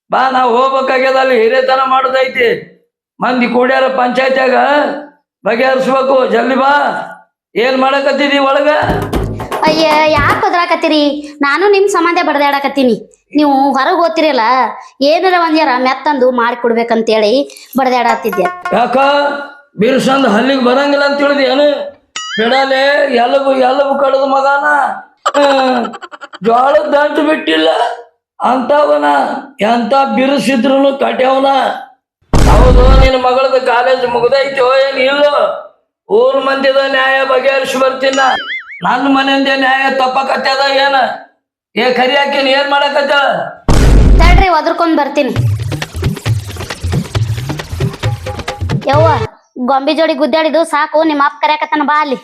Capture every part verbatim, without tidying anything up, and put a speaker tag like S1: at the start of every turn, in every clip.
S1: ಬಾ ನಾವು ಹೋಗ್ಬೇಕಾಗ್ಯದ ಅಲ್ಲಿ ಹಿರೇತನ ಮಾಡೋದೈತಿ ಮಂದಿ ಕೂಡ್ಯಾರ ಪಂಚಾಯತ್ಯಾಗ ಬಗೆಹರಿಸ್ಬೇಕು ಜಲ್ದಿ ಬಾ ಏನ್ ಮಾಡಕತ್ತಿದಿ ಒಳಗ
S2: ಅಯ್ಯ ಯಾಕೆ ಬದ್ರಾಕತ್ತೀರಿ ನಾನು ನಿಮ್ ಸಂಬಂಧ ಬಡದಾಡಕತ್ತೀನಿ ನೀವು ಹೊರಗೆ ಓದ್ತಿರಲ್ಲ ಏನಾರ ಒಂದ್ಯಾರ ಮೆತ್ತಂದು ಮಾಡಿ ಕೊಡ್ಬೇಕಂತೇಳಿ ಬಡದಾಡತ್ತಿದ್ದೆ
S1: ಯಾಕ ಬಿರ್ಸಂದ್ ಹಲ್ಲಿಗೆ ಬರಂಗಿಲ್ಲ ಅಂತ ತಿಳಿದಿ ಏನು ಬಿಡಲೆ ಎಲ್ಲಬು ಎಲ್ಲಬು ಕಡದ ಮಗನ ಜೋಳದ ದಂಟು ಬಿಟ್ಟಿಲ್ಲ ಅಂತವನ ಎಂತ ಬಿರುಸಿದ್ರು ಕಟ್ಯವನ ಹೌದು ನಿನ್ನ ಮಗಳದ ಕಾಲೇಜ್ ಮುಗ್ದೈತೋ ಏನ್ ಇಲ್ಲ ಊರ್ ಮಂದಿದ ನ್ಯಾಯ ಬಗೆಹರಿಸಿ ಬರ್ತೀನ ನನ್ನ ಮನೆಯಿಂದ ನ್ಯಾಯ ತಪ್ಪಕತ್ತದ ಏನ ಏ ಕರಿ ಹಾಕಿನ ಏನ್ ಮಾಡಕತ್ತ
S2: ತಡ್ರಿ ಒದರ್ಕೊಂಡ್ ಬರ್ತೀನಿ ಯವ್ವ ಗೊಂಬಿ ಜೋಡಿ ಗುದ್ದಾಡಿದು ಸಾಕು ನಿಮ್ಮ ಅಪ್ಪ ಕರ್ಯಾಕತ್ತಾನ ಬಾ ಅಲ್ಲಿ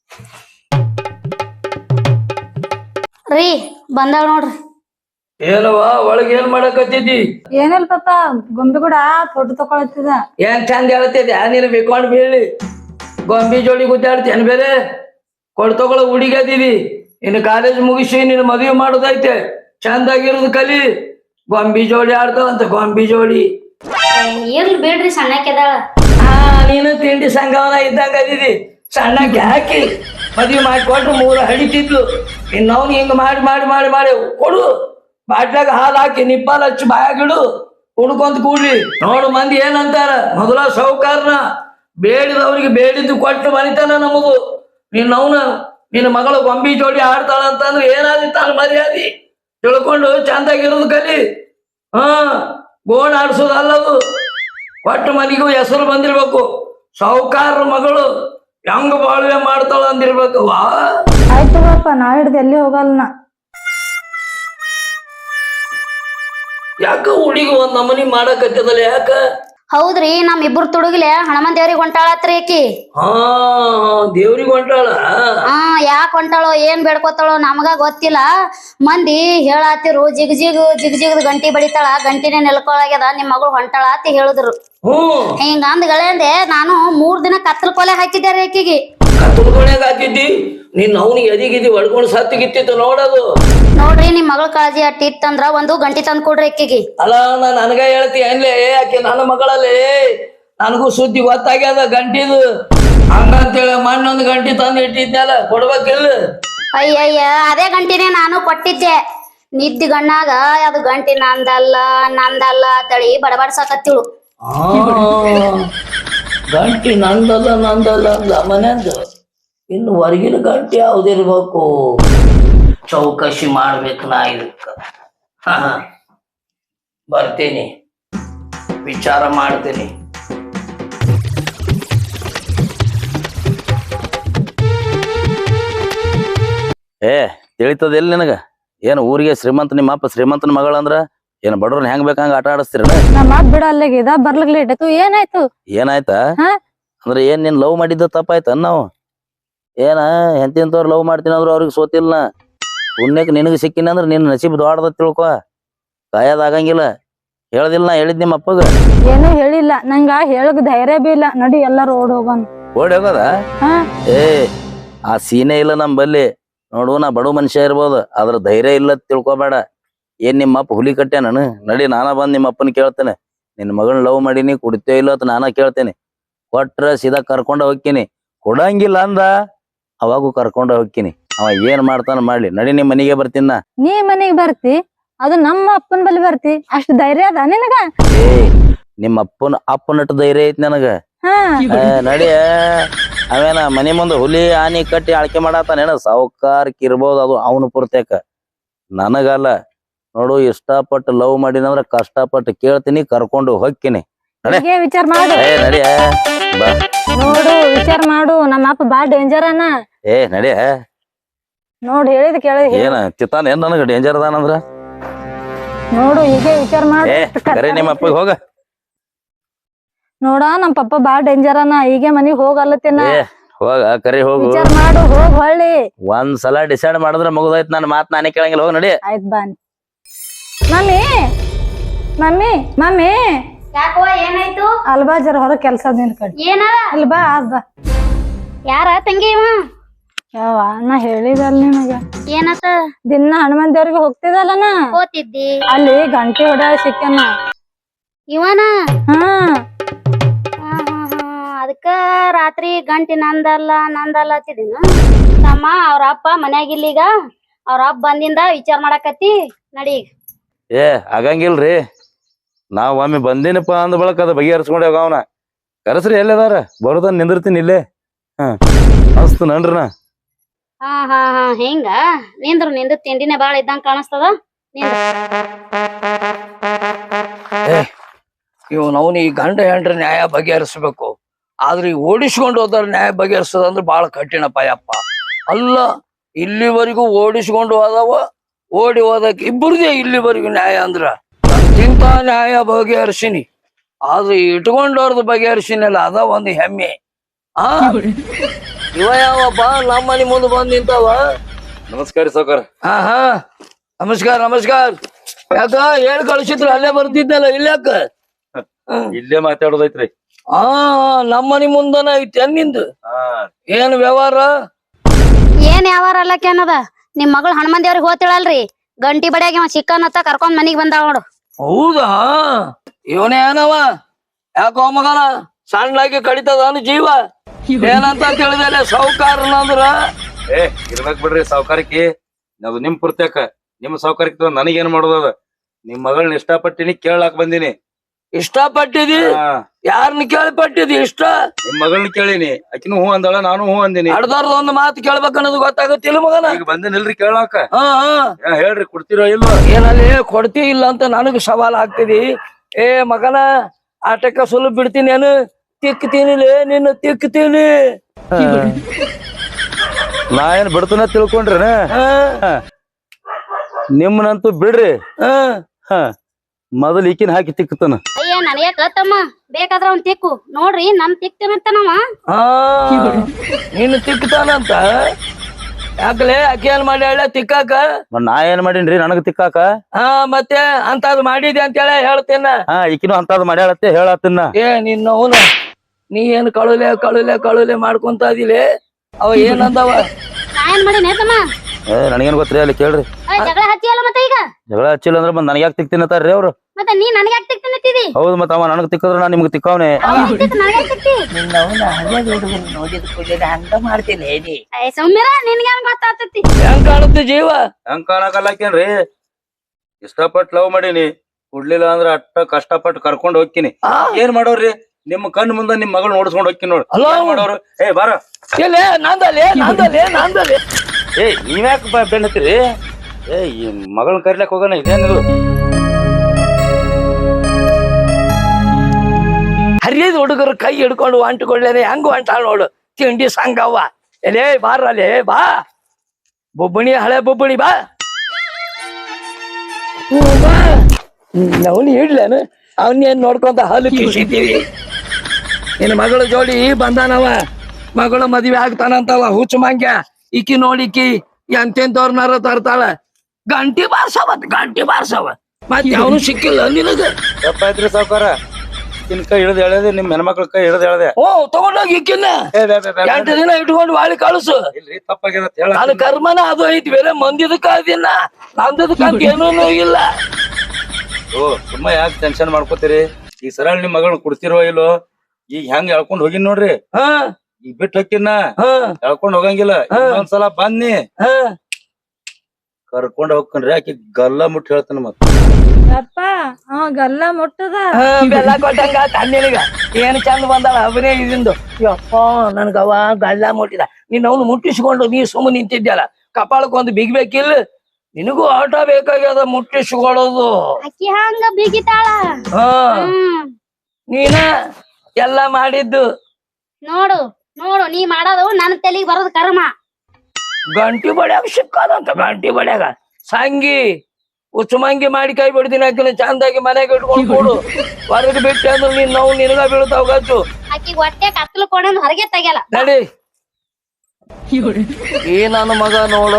S2: ರೀ ಬಂದಾಳ ನೋಡ್ರಿ
S1: ಏನವ ಒಳಗೆ ಏನ್ ಮಾಡಕತ್ತಿದ್ದಿ
S3: ಏನಿಲ್ಲ ಪಾಪ ಗೊಂಬೆ ಕೂಡ ಫೋಟೋ ತಕೊಳತ್ತಿದ
S1: ಏನ್ ಚಂದ ಹೇಳ್ತಿದ್ದೆ ನೀನು ಬಿಕ್ಕೊಂಡ್ ಬೀಳಿ ಗೊಂಬಿ ಜೋಡಿ ಗುದ್ದಾಡ್ತೇನ್ ಬೇರೆ ಕೊಡ್ ತಗೊಳ ಹುಡುಗದಿದಿ ಇನ್ನು ಕಾಲೇಜ್ ಮುಗಿಸಿ ನಿನ್ನ ಮದುವೆ ಮಾಡೋದೈತೆ ಚಂದಾಗಿರೋದು ಕಲಿ ಗೊಂಬಿ ಜೋಡಿ ಆಡ್ತಾವಂತ ಗೊಂಬಿ ಜೋಡಿ
S2: ಇರ್ಲಿ ಬಿಡ್ರಿ ಸಣ್ಣಕ್ಕೆದಾಳ
S1: ಹಾ ನೀನು ತಿಂಡಿ ಸಂಗವನ ಇದ್ದಂಗ ಅದಿದಿ ಸಣ್ಣಕ್ಕೆ ಹಾಕಿ ಮದುವೆ ಮಾಡಿಕೊಟ್ರು ಮೂರು ಹಡಿತಿದ್ಲು ಇನ್ನವ್ನು ಹಿಂಗ ಮಾಡಿ ಮಾಡಿ ಮಾಡಿ ಮಾಡಿ ಕೊಡು ಬಾಟ್ಲಾಗ ಹಾಲು ಹಾಕಿ ನಿಪ್ಪಾಲ್ ಹಚ್ಚಿ ಬಾಯಾಗಿಡು ಕುಡ್ಕೊಂತ ಕೂಡ್ಲಿ ನೋಡು ಮಂದಿ ಏನಂತಾರ ಮೊದಲ ಸೌಕಾರನ ಬೇಡಿದವ್ರಿಗೆ ಬೇಡಿದ್ದು ಕೊಟ್ಟು ಮನಿತಾನ ನಮಗೂ ನಿನ್ನವನ ನಿನ್ನ ಮಗಳು ಗೊಂಬಿ ಜೋಡಿ ಆಡ್ತಾಳ ಅಂತಂದ್ರೆ ಏನಾದಿತ್ತ ಮರ್ಯಾದಿ ತಿಳ್ಕೊಂಡು ಚಂದಾಗಿರೋದು ಕಲಿ ಹಾ ಗೋಣ್ ಆಡ್ಸೋದು ಅಲ್ಲದು ಒಟ್ಟು ಮನಿಗೂ ಹೆಸರು ಬಂದಿರ್ಬೇಕು ಸೌಕಾರ ಮಗಳು ಹೆಂಗ ಬಾಳ್ವೆ ಮಾಡ್ತಾಳ ಅಂದಿರ್ಬೇಕು ವಾ
S3: ಆಯ್ತು ಪಾಪ ನಾ ಹಿಡ್ದು ಎಲ್ಲಿ ಹೋಗಲ್ಲ
S1: ಯಾಕ ಹುಡುಗಿ ಒಂದ್ ನಮನಿ ಮಾಡಕತ್ತದಲ್ಲ ಯಾಕ
S2: ಹೌದ್ರಿ ನಮ್ ಇಬ್ರು ತುಡುಗಿಲೆ ಹನುಮನ್ ದೇವ್ರಿಗೆ ಹೊಂಟಾಳತ್ರಿ ಆಕಿ
S1: ಹಾ ದೇವ್ರಿಗೆ ಹೊಂಟಾಳ
S2: ಹಾ ಯಾಕೆ ಹೊಂಟಾಳೋ ಏನ್ ಬೇಡ್ಕೋತಾಳೋ ನಮಗ ಗೊತ್ತಿಲ್ಲ ಮಂದಿ ಹೇಳಾತಿರು ಜಿಗ್ ಜಿಗ್ ಜಿಗ್ ಜಿಗ್ ಗಂಟಿ ಬಡಿತಾಳ ಗಂಟಿನೇ ನೆಲ್ಕೊಳಗ್ಯದ ನಿಮ್ ಮಗಳು ಹೊಂಟಾಳ ಅಂತ ಹೇಳಿದ್ರು
S1: ಹ್ಮ್
S2: ಹಿಂಗ ಅಂದ್ಗಳೇಂದೆ ನಾನು ಮೂರ್ ದಿನ ಕತ್ತಲ್ ಕೊಲೆ ಹಾಕಿದ್ದೆ ರೀ ಆಕಿಗೆ
S1: ಕತ್ತಲ್ ಕೊನೆಗ ಹಾಕಿದ್ದಿ ನೀನ್ ಅವನಿಗೆ ಎದಿಗಿದ್ದಿ ಹೊಡ್ಕೊಂಡು ಸತ್ತಿಗಿತ್ತಿತ್ತು ನೋಡೋದು
S2: ನೋಡ್ರಿ ನಿಮ್ ಮಗಳ ಕಾಳಜಿ ಅಟ್ಟಿ ಇತ್ತಂದ್ರ ಒಂದು ಗಂಟಿ ತಂದ್ ಕೊಡ್ರಿ ಆಕಿಗೆ
S1: ಅಲ್ಲ ನಾ ನನಗ ಹೇಳ್ತಿ ಏನ್ಲೇ ಆಕೆ ನನ್ನ ಮಗಳಲ್ಲಿ ನನಗೂ ಸುದ್ದಿ ಗೊತ್ತಾಗ್ಯದ ಗಂಟಿದು ಹಂಗಂತೇಳಿ ಮಣ್ಣೊಂದು ಗಂಟಿ ತಂದು ಇಟ್ಟಿದ್ನಲ್ಲ ಕೊಡ್ಬೇಕಿಲ್ಲ
S2: ಅಯ್ಯಯ್ಯ ಅದೇ ಗಂಟಿನೇ ನಾನು ಕೊಟ್ಟಿದ್ದೆ ನಿದ್ದಿ ಗಣ್ಣಾಗ ಅದು ಗಂಟಿ ನಂದಲ್ಲ ನಂದಲ್ಲ ತಳಿ ಬಡಬಡ್ಸಾಕತ್ತಿಳು
S1: ಗಂಟಿ ನಂದಲ್ಲ ನಂದಲ್ಲ ಅಂದ ಮನೆಯಂದ ಇನ್ನು ಹೊರಗಿನ ಗಂಟೆ ಯಾವ್ದಿರ್ಬೇಕು ಚೌಕಶಿ ಮಾಡ್ಬೇಕು ನಾ ಇದಕ್ಕ ಹ ಬರ್ತೀನಿ ವಿಚಾರ ಮಾಡ್ತೀನಿ
S4: ಏ ತಿಳಿತದ ಎಲ್ಲಿ ನಿನಗ ಏನು ಊರಿಗೆ ಶ್ರೀಮಂತ ನಿಮ್ಮ ಅಪ್ಪ ಶ್ರೀಮಂತನ ಮಗಳಂದ್ರ ಏನ್ ಬಡವ್ರನ್ನ ಹೆಂಗ್ ಬೇಕಂಗ ಆಟ ಆಡಿಸ್ತೀರ
S3: ನಮ್ಮ ಅಪ್ಪ ಬಿಡ ಅಲ್ಲಿಗಿದ ಬರ್ಲಿಕ್ ಲೇಟ್ ಆಯ್ತು ಏನಾಯ್ತು
S4: ಏನಾಯ್ತಾ
S3: ಹಾ?
S4: ಅಂದ್ರೆ ಏನ್ ನೀನ್ ಲವ್ ಮಾಡಿದ್ದ ತಪ್ಪಾಯ್ತ ನಾವು ಏನ ಎಂತಿಂತವ್ರು ಲವ್ ಮಾಡ್ತೀನಿ ಅಂದ್ರು ಅವ್ರಿಗೆ ಸೋತಿಲ್ಲ ಪುಣ್ಯಕ್ ನಿನಗೆ ಸಿಕ್ಕಿನ ಅಂದ್ರೆ ನಿನ್ ನಸೀಬ್ ದೊಡ್ಡದ ತಿಳ್ಕೊ ಕಾಯದ ಆಗಂಗಿಲ್ಲ ಹೇಳದಿಲ್ಲ ನಾ ಹೇಳಿದ್ ನಿಮ್ಮ ಅಪ್ಪಗ
S3: ಏನು ಹೇಳಿಲ್ಲ ನಂಗ ಹೇಳಕ್ ಧೈರ್ಯ ಬಿ ಇಲ್ಲ ನಡಿ ಎಲ್ಲಾರು ಓಡ್ ಹೋಗೋಣ
S4: ಓಡಿ ಹೋಗೋದ
S3: ಹಾ
S4: ಏ ಆ ಸೀನೆ ಇಲ್ಲ ನಮ್ ಬಲ್ಲಿ ನೋಡು ನಾ ಬಡ ಮನುಷ್ಯ ಇರ್ಬೋದು ಅದ್ರ ಧೈರ್ಯ ಇಲ್ಲ ತಿಳ್ಕೊಬೇಡ ಏನ್ ನಿಮ್ಮ ಅಪ್ಪ ಹುಲಿ ಕಟ್ಟೆ ನಾನು ನಡಿ ನಾನ ಬಂದ್ ನಿಮ್ಮ ಅಪ್ಪನ ಕೇಳ್ತೇನೆ ನಿನ್ ಮಗಳನ್ನ ಲವ್ ಮಾಡೀನಿ ಕುಡಿತೇ ಇಲ್ಲ ಅಂತ ನಾನ ಕೇಳ್ತೇನೆ ಕೊಟ್ರ ಸೀದಾ ಕರ್ಕೊಂಡ ಹೋಗ್ತೀನಿ ಕೊಡಂಗಿಲ್ಲ ಅಂದ ಅವಾಗೂ ಕರ್ಕೊಂಡ ಹೋಗ್ತೀನಿ ಅವ ಏನ್ ಮಾಡ್ತಾನ ಮಾಡ್ಲಿ ನಡಿ ನಿಮ್ ಮನಿಗೆ ಬರ್ತೀನ ನಾ.
S3: ನೀ ಮನೆಗ್ ಬರ್ತಿ ಅದು ನಮ್ಮ ಅಪ್ಪನ ಬಳಿ ಬರ್ತಿ ಅಷ್ಟ್ ಧೈರ್ಯ ಅದ ನಿನಗ
S4: ಏ ನಿಮ್ಮ ಅಪ್ಪನ ಅಪ್ಪನಟ್ಟು ಧೈರ್ಯ ಐತಿ ನನಗ
S3: ಹಾ
S4: ಏ, ನಡಿ ಅವೇನ ಮನಿ ಮುಂದ ಹುಲಿ ಆನಿ ಕಟ್ಟಿ ಆಳ್ಕೆ ಮಾಡಾತಾನೇನ ಸಾವುಕಾರಕ್ ಇರ್ಬೋದು ಅದು ಅವನು ಪೂರ್ತೇಕ ನನಗಲ್ಲ ನೋಡು ಇಷ್ಟಪಟ್ಟು ಲವ್ ಮಾಡಿನಂದ್ರ ಕಷ್ಟಪಟ್ಟು ಕೇಳ್ತೀನಿ ಕರ್ಕೊಂಡು ಹೋಗ್ತೀನಿ ನಡೆ
S3: ಹೀಗೆ ವಿಚಾರ ಮಾಡು
S4: ಏ ನಡಿ ಬಾ
S3: ನೋಡು ವಿಚಾರ ಮಾಡು ನಮ್ಮ ಅಪ್ಪ ಬಾ ಡೇಂಜರ್ ಅನ
S4: ಏ ನಡಿ
S3: ನೋಡ್ ಹೇಳಿದ್ ಕೇಳ
S4: ಏನ ಚಿತ್ತಾನ ಏನ್ ನನಗ ಡೇಂಜರ್ ಅದಾನಂದ್ರ
S3: ನೋಡು ಹೀಗೆ ವಿಚಾರ ಮಾಡು
S4: ಏ ಕರೆ ನಿಮ್ಮ ಅಪ್ಪಗೆ ಹೋಗ
S3: ನೋಡ ನಮ್ ಪಪ್ಪ ಬಾ ಡೇಂಜರ್ ಅನ ಹೀಗೆ ಮನಿಗ್ ಹೋಗಲ್ಲತ್ತಿನ
S4: ಏ ಹೋಗ ಕರಿ ಹೋಗು
S3: ವಿಚಾರ ಮಾಡು ಹೋಗ್ ಹೊಳ್ಳಿ
S4: ಒಂದ್ ಸಲ ಡಿಸೈಡ್ ಮಾಡಿದ್ರ ಮುಗ್ದೈತ್ ನನ್ನ ಮಾತ್ ನಾನೇ ಕೇಳಂಗಿಲ್ಲ ಹೋಗ ನಡಿ
S3: ಆಯ್ತ್ ಬಾನಿ ಮಮ್ಮಿ ಮಮ್ಮಿ ಮಮ್ಮಿ
S2: ಯಾಕೋ ಏನಾಯ್ತು
S3: ಅಲ್ಬಾ ಜರ ಹೊರ ಕೆಲ್ಸ ನಿನ್ ಕಡೆ
S2: ಏನ
S3: ಅಲ್ಬಾ ಅದ್ ಬಾ
S2: ಯಾರ ತಂಗಿ ಇವ
S3: ಯಾವ ನಾ ಹೇಳಿದಲ್ ನಿನಗ
S2: ಏನತ್ತ
S3: ದಿನ ಹನುಮಂತ ದೇವ್ರಿಗೆ ಹೋಗ್ತಿದಲ್ಲನ
S2: ಹೋತಿದ್ದಿ
S3: ಅಲ್ಲಿ ಗಂಟೆ ಹೊಡ್ಯಾಳ ಸಿಕ್ಕನ.
S2: ಇವನ
S3: ಹಾ
S2: ಅದಕ್ಕ ರಾತ್ರಿ ಗಂಟಿ ನಂದಲ್ಲ ನಂದಲ್ಲ ಹತ್ತಿದಿನ ತಮ್ಮ ಅವ್ರ ಅಪ್ಪ ಮನ್ಯಾಗಿಲ್ಲೀಗ ಅವ್ರ ಅಪ್ಪ ಬಂದಿಂದ ವಿಚಾರ ಮಾಡಾಕತ್ತಿ ನಡಿ.
S4: ಏ ಆಗಂಗಿಲ್ರಿ, ನಾವ್ ಒಮ್ಮೆ ಬಂದಿನಪ್ಪ ಅಂದ ಬಳಕ ಅದ ಬಗೆಹರಿಸ್ಕೊಂಡೆ ಅವನ ಕರಸ್ರಿ ಎಲ್ಲದಾರ ಬರೋದನ್ ನಿಂದಿರ್ತೀನಿ ಇಲ್ಲೇ. ಹಾ ಅಸ್ತು ನನ್ರಿ ನಾ.
S2: ಹಾ ಹಾ ಹಾ ಹಿಂಗ ನಿಂದ್ರು ನಿಂದು ತಿಂಡಿನೇ ಬಾಳ ಇದ್ದಂಗ ಕಾಣಿಸ್ತದ.
S1: ಇವನ್ ಅವನು ಈ ಗಂಡ ಹೆಂಡ್ರ ನ್ಯಾಯ ಬಗೆಹರಿಸ್ಬೇಕು. ಆದ್ರೆ ಈ ಓಡಿಸ್ಕೊಂಡು ಹೋದ್ರ ನ್ಯಾಯ ಬಗೆಹರಿಸೋದಂದ್ರೆ ಬಹಳ ಕಠಿಣಪ್ಪ ಯಪ್ಪ. ಅಲ್ಲ ಇಲ್ಲಿವರೆಗೂ ಓಡಿಸ್ಕೊಂಡು ಹೋದವ, ಓಡಿ ಹೋದಕ್ ಇಬ್ಬರದೇ ಇಲ್ಲಿವರೆಗೂ ನ್ಯಾಯ ಅಂದ್ರ ತಿಂತ ನ್ಯಾಯ ಬಗೆಹರಿಸಿನಿ. ಆದ್ರೆ ಇಟ್ಕೊಂಡವ್ರದ್ದು ಬಗೆಹರಿಸಿನಲ್ಲ ಅದ ಒಂದು ಹೆಮ್ಮೆ. ಆ ಇವ ಯಾವಪ್ಪ ನಮ್ಮ ಮನೆ ಮುಂದೆ ಬಂದ್ ನಿಂತವ.
S4: ನಮಸ್ಕಾರ ಸಾವ್ಕಾರ.
S1: ಹಾ ಹಾ ನಮಸ್ಕಾರ ನಮಸ್ಕಾರ. ಯಾಕ ಹೇಳ್ ಕಳ್ಸಿದ್ರು ಅಲ್ಲೇ ಬರ್ತಿದ್ದಲ್ಲ ಇಲ್ಯಾಕ?
S4: ಇಲ್ಲೇ ಮಾತಾಡೋದೈತ್ರಿ.
S1: ಆ ನಮ್ಮ ಮನಿ ಮುಂದನ ಐತಿ ನಿಂದು. ಏನ್ ವ್ಯವಹಾರ?
S2: ಏನ್ ಯಾವಾರ ಅಲ್ಲಕ್ಕೆ ಅನ್ನದ ನಿಮ್ ಮಗಳು ಹನುಮಂತ ದೇವ್ರಿಗೆ ಹೋತಿಳಲ್ರಿ, ಗಂಟಿ ಬಡಿಯಾಗಿ ಇವ ಚಿಕ್ಕನತ್ತ ಕರ್ಕೊಂಡ್ ಮನಿಗ್ ಬಂದಾಳ ನೋಡು.
S1: ಹೌದಾ? ಇವನೇ ಏನವ ಯಾಕೋ ಮಗನ ಸಣ್ಣಾಗಿ ಕಡಿತದ ಜೀವ. ಏನಂತ ತಿಳಿದಲ್ಲ ಸಾವುಕಾರನಂದ್ರ
S4: ಏ ಇರ್ಬೇಕ್ ಬಿಡ್ರಿ ಸಾವ್ಕಾರಕ್ಕೆ. ಅದು ನಿಮ್ ಪುರ್ತಕ ನಿಮ್ ಸಾವ್ಕಾರಕ್ಕೆ ನನಗೇನ್ ಮಾಡೋದದ? ನಿಮ್ ಮಗಳನ್ನ ಇಷ್ಟಪಟ್ಟಿನಿ ಕೇಳಾಕ್ ಬಂದಿನಿ.
S1: ಇಷ್ಟಪಟ್ಟಿದಿ? ಯಾರನ್ನ ಕೇಳ್ಪಟ್ಟಿದಿ ಇಷ್ಟ?
S4: ನಿಮ್ ಮಗಳನ್ನ ಕೇಳಿನಿ, ಆಕಿನೂ ಹೂ ಅಂದಾಳ ನಾನು ಹೂ ಅಂದಿನಿ.
S1: ಅಡ್ದಾರ್ದ ಒಂದು ಮಾತು ಕೇಳ್ಬೇಕನ್ನೋದು ಗೊತ್ತಾಗತ್ತಿಲ್ಲ ಮಗನ.
S4: ಈಗ ಬಂದಿನಿಲ್ರಿ ಕೇಳಾಕ.
S1: ಹಾ ಹಾ
S4: ಹೇಳ್ರಿ ಕೊಡ್ತಿರೋ ಇಲ್ವ?
S1: ಏನಲ್ಲಿ ಕೊಡ್ತಿ ಇಲ್ಲ ಅಂತ ನನಗ ಸವಾಲ್ ಆಗ್ತಿದಿ. ಏ ಮಗನ ಆಟಕ್ಕ ಸುಲಭ ಬಿಡ್ತೀನಿ ಏನು? ತಿಕ್ತೀನಿಲೇ ನಿನ್ನ ತಿಕ್ತೀನಿ.
S4: ನಾ ಏನ್ ಬಿಡ್ತನ ತಿಳ್ಕೊಂಡ್ರಿ?
S1: ಹಾ
S4: ನಿಮ್ಮನಂತೂ ಬಿಡ್ರಿ.
S1: ಹಾ
S4: ಹ ಮೊದಲ್ ಈಕಿನ ಹಾಕಿ ತಿಕ್ಕತನ.
S2: ಅಯ್ಯ ನನಗೆ ಕತ್ತಮ್ಮ ಬೇಕಾದ್ರ ಅವ್ನ್ ತಿಕ್ಕು ನೋಡ್ರಿ ನನ್ ತಿಕ್ತೇನಂತ ನಾವ.
S1: ಹಾ ನೀನು ತಿಕ್ತಾನಂತ ಯಾಕಲೆ ಆಕೆ ಏನ್ ಮಾಡ್ಯಾಳ ತಿಕ್ಕಾಕ?
S4: ನಾ ಏನ್ ಮಾಡೀನ್ರಿ ನನಗ ತಿಕ್ಕಾಕ?
S1: ಹಾ ಮತ್ತೆ ಅಂತದ್ ಮಾಡಿದೆ ಅಂತೇಳ ಹೇಳ್ತೇನ.
S4: ಹಾ ಈಕಿನೂ ಅಂತದ್ ಮಾಡ್ಯಾಳತ್ತೆ ಹೇಳತ್ತಿನ.
S1: ಏ ನಿನ್ನ ಅವನ ನೀ ಏನ್ ಕಳುಲೆ ಕಳುಲೆ ಕಳುಲೆ ಮಾಡ್ಕೊಂತ ಅದಿಲೆ ಅವ ಏನಂದವ?
S2: ನಾ ಏನ್ ಮಾಡಿ ನೇತಮ್ಮ
S4: ಏ ನನಗೇನ್ ಗೊತ್ತ್ರಿ ಅಲ್ಲಿ ಕೇಳ್ರಿ.
S2: ಜಗಳ ಹಚ್ಚಿಯಲ್ಲ ಮತ್ತೆ ಈಗ
S4: ಜಗಳ ಹಚ್ಚಿಲ್ಲ ಅಂದ್ರೆ ಬಂದ್ ನನಗ್ ಯಾಕೆ ತಿಕ್ತೀನತ್ತಾರ್ರಿ ಅವ್ರು?
S2: ಮತ್ತೆ ನೀ ನನಗೆ ಯಾಕೆ ತಿಕ್ತಿನತ್ತಿದಿ?
S4: ಹೌದು ಮತ್ತ ಅವ ನನಗ್ ತಿಕ್ಕದ್ರ ನಾ ನಿಮ್ಗೆ ತಿಕ್ಕವನೆ.
S2: ನನಗೆ ತಿಕ್ತಿ
S1: ನಿನ್ನವನ ಹಳೆ ಹುಡುಗರು ನೋಡಿದ ಕೂಡಲೇ ಹಂಗ ಮಾಡ್ತೀನಿ ಹೇಳಿ.
S2: ಏ ಸೌಮ್ಯರ ನಿನ್ಗೆ ಹೆಂಗ್ ಗೊತ್ತಾಗ್ತತಿ?
S1: ಹೆಂಗ್ ಕಾಣುತ್ತೆ ಜೀವ?
S4: ಹೆಂಗ್ ಕಾಣಕಲ್ಲಾಕೇನ್ರಿ? ಇಷ್ಟಪಟ್ಟು ಲವ್ ಮಾಡೀನಿ, ಕುಡ್ಲಿಲ್ಲ ಅಂದ್ರ ಅಟ್ಟ ಕಷ್ಟಪಟ್ಟು ಕರ್ಕೊಂಡ್ ಹೋಗ್ತೀನಿ. ಏನ್ ಮಾಡೋರ್ರಿ? ನಿಮ್ ಕಣ್ ಮುಂದ ನಿಮ್ ಮಗಳು ನೋಡ್ಸ್ಕೊಂಡ್ ಹೋಗ್ತೀನಿ ನೋಡ್.
S1: ಅಲ್ಲ
S4: ಮಾಡೋರು ಏ ಬಾರ
S1: ಎಲ್ಲೇ ನಂದಲೇ ನಂದಲೇ ನಂದಲೇ.
S4: ಏ ನೀವ್ಯಾಕ ಬೆನ್ನತ್ತೀರಿ? ಏ ಈ ಮಗಳನ್ನ ಕರಿಲಕ್ ಹೋಗೋಣ ಇದೇನಿದು?
S1: ಹರಿಯದ ಹುಡುಗರು ಕೈ ಹಿಡ್ಕೊಂಡು ಅಂಟ್ಕೊಳ್ಳೇನೆ ಹೆಂಗ ಅಂಟಾಳ ನೋಡು ತಿಂಡಿ ಸಂಗವ್ವ. ಎಲೇ ಬಾರಲೇ ಬಾ ಬೊಬ್ಬಣಿ ಹಳೆ ಬೊಬ್ಬಣಿ ಬಾ. ಬಾ ಅವನು ಇಡ್ಲೇನು ಅವನ್ನೇನ್ ನೋಡ್ಕೊಂತ ಹಾಲು ಕಿಸಿದ್ದೀವಿ. ನಿನ್ನ ಮಗಳ ಜೋಡಿ ಬಂದಾನವ, ಮಗಳು ಮದ್ವೆ ಆಗ್ತಾನಂತವ ಹುಚ್ಚು ಮಂಗ್ಯ. ಈಕಿ ನೋಡಿಕಿ ಎಂತೆಂತವ್ರನಾರ ತರ್ತಾಳ. ಗಂಟಿ ಬಾರ್ಸವ ಗಂಟಿ ಬಾರ್ಸವ ಮತ್ತೆ ಅವನು ಸಿಕ್ಕಿಲ್ಲ ನಿನಗ.
S4: ತಪ್ಪಾಯ್ತ್ರಿ ಸಾವ್ಕಾರ, ಇನ್ ಕೈ ಹಿಡ್ದು ಎಳೆದೆ ನಿಮ್ ಹೆಣ್ಮಕ್ಳ ಕೈ ಹಿಡ್ದು ಎಳೆದೆ.
S1: ಓ ತಗೊಂಡೋಗಿ ಇಕ್ಕಿನ ಎಂಟು ದಿನ ಇಟ್ಕೊಂಡು ಬಾಳಿ ಕಳಿಸು.
S4: ಇಲ್ರಿ ತಪ್ಪಾಗ್ಯದ ಹೇಳ.
S1: ಅದು ಕರ್ಮನ ಅದು ಐತಿ, ಬೇರೆ ಮಂದಿದಕ್ಕ ಅದಿನ ನಂದದಕ್ಕಂತ ಏನೂ ಇಲ್ಲ.
S4: ಓ ಸುಮ್ಮ ಯಾಕೆ ಟೆನ್ಷನ್ ಮಾಡ್ಕೋತೀರಿ? ಈಗ ಸರಳ ನಿಮ್ ಮಗಳನ್ನ ಕೊಡ್ತಿರೋ ಇಲ್ಲೋ? ಈಗ ಹೆಂಗ್ ಎಳ್ಕೊಂಡ್ ಹೋಗಿನ್ ನೋಡ್ರಿ.
S1: ಹಾ
S4: ಈಗ ಬಿಟ್ಟು ಹೋಗಿನ
S1: ಹಾ
S4: ಎಳ್ಕೊಂಡ್ ಹೋಗಂಗಿಲ್ಲ. ಒಂದ್ಸಲ ಬನ್ನಿ
S1: ಹಾ
S4: ಕರ್ಕೊಂಡ್ ಹೋಗ್ಕನ್ರಿ. ಆಕಿ ಗಲ್ಲ ಮುಟ್ಟಿ ಹೇಳ್ತಾನ ಮತ್ತ.
S3: ಅಪ್ಪ ಅವ ಗಲ್ಲ ಮುಟ್ಟದ.
S1: ಹಾ ಬೆಲ್ಲ ಕೊಟ್ಟಂಗ ತನ್ನಿನಗ ಏನ್ ಚಂದ ಬಂದಾಳ ಅವನೇ ಇದಿಂದು. ಯಪ್ಪ ನನ್ಗವ ಗಲ್ಲ ಮುಟ್ಟಿದ. ನೀನ್ ಅವನು ಮುಟ್ಟಿಸ್ಕೊಂಡು ನೀ ಸುಮ್ಮ ನಿಂತಿದ್ಯಲ್ಲ, ಕಪಾಳಕ್ಕೊಂದು ಬಿಗ್ಬೇಕಿಲ್ಲ? ನಿನಗೂ ಆಟ ಬೇಕಾಗ್ಯದ ಮುಟ್ಟಿಸ್ಕೊಳ್ಳೋದು.
S2: ಅಕ್ಕಿ ಹಂಗ ಬಿಗಿತಾಳ.
S1: ಹಾ
S2: ಹ್ಮ್
S1: ನೀನ ಎಲ್ಲ ಮಾಡಿದ್ದು.
S2: ನೋಡು ನೋಡು ನೀ ಮಾಡೋದು ನನ್ನ ತಲೆಗೆ ಬರೋದು ಕರ್ಮ.
S1: ಗಂಟಿ ಬಡ್ಯಾಗ ಸಿಕ್ಕಾದಂತ ಗಂಟಿ ಬಡ್ಯಾಗ ಸಂಗಿ ಉಚ್ಚುಮಂಗಿ ಮಾಡಿ ಕೈ ಬಿಡ್ತೀನಿ ಹಾಕಿನ ಚಂದಾಗಿ ಮನೆಗೆ ಇಟ್ಕೊಂಡು ಕೊಡು. ಹೊರಗೆ ಬಿಟ್ಟೆ ಅಂದ್ರೆ ನೀನ್ ನಾವು ನಿನಗ ಬೀಳ್ತಾವ ಗಚ್ಚು.
S2: ಅಕ್ಕಿ ಹೊಟ್ಟೆ ಕತ್ಲು ಕೊಡೋದು ಹೊರಗೆ ತೆಗಿಯಲ್ಲ.
S1: ನಡಿ ಈ ನನ್ನ ಮಗ ನೋಡು.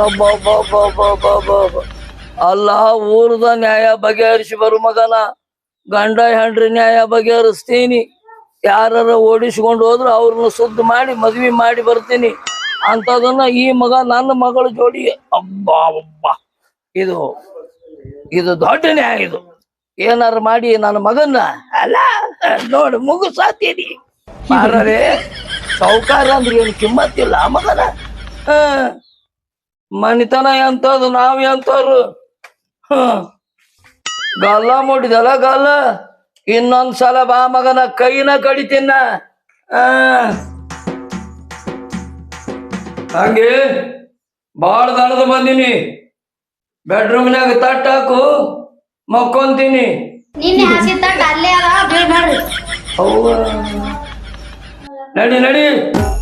S1: ಅಲ್ಲ ಊರದ ನ್ಯಾಯ ಬಗೆಹರಿಸಿ ಬರು ಮಗನ. ಗಂಡ ಹೆಂಡ್ರಿ ನ್ಯಾಯ ಬಗೆಹರಿಸ್ತೀನಿ. ಯಾರ ಓಡಿಸ್ಕೊಂಡು ಹೋದ್ರು ಅವ್ರನ್ನ ಸುದ್ದಿ ಮಾಡಿ ಮದ್ವಿ ಮಾಡಿ ಬರ್ತೀನಿ. ಅಂತದನ್ನ ಈ ಮಗ ನನ್ನ ಮಗಳ ಜೋಡಿ ಅಬ್ಬಾ ಅಬ್ಬಾ ಇದು ಇದು ದೊಡ್ಡ ನ್ಯಾಯ. ಇದು ಏನಾರು ಮಾಡಿ ನನ್ನ ಮಗನ್ನ ಅಲ್ಲ ನೋಡು ಮುಗಿಸಾತೀನಿ ಮಾರರೆ. ಸೌಕಾರ ಅಂದ್ರೆ ಏನು ಕಿಮ್ಮತ್ತಿಲ್ಲ ಆ ಮಗನ. ಹ ಮನಿತನ ಎಂತದು ನಾವ್ ಎಂತವ್ರು. ಹ ಗಲ್ಲ ಮುಡಿದಲ್ಲ ಗಲ್ಲ. ಇನ್ನೊಂದ್ಸಲ ಬಾ ಮಗನ ಕೈನ ಕಡಿತೀನ. ಆ ಹಂಗೆ ಬಾಳ ದಣದ ಬಂದಿನಿ. ಬೆಡ್ರೂಮ್ನಾಗ ತಟ್ಟ ಹಾಕು ಮಕ್ಕೊಂತೀನಿ.
S2: ನಿನ್ನೆ ಹಾಸಿದ ತಟ್ಟ ಅಲ್ಲೇ ಅದ ಬೀಳ್ಬೇಡ್ರಿ.
S1: ಹೌವ ನಡಿ ನಡಿ.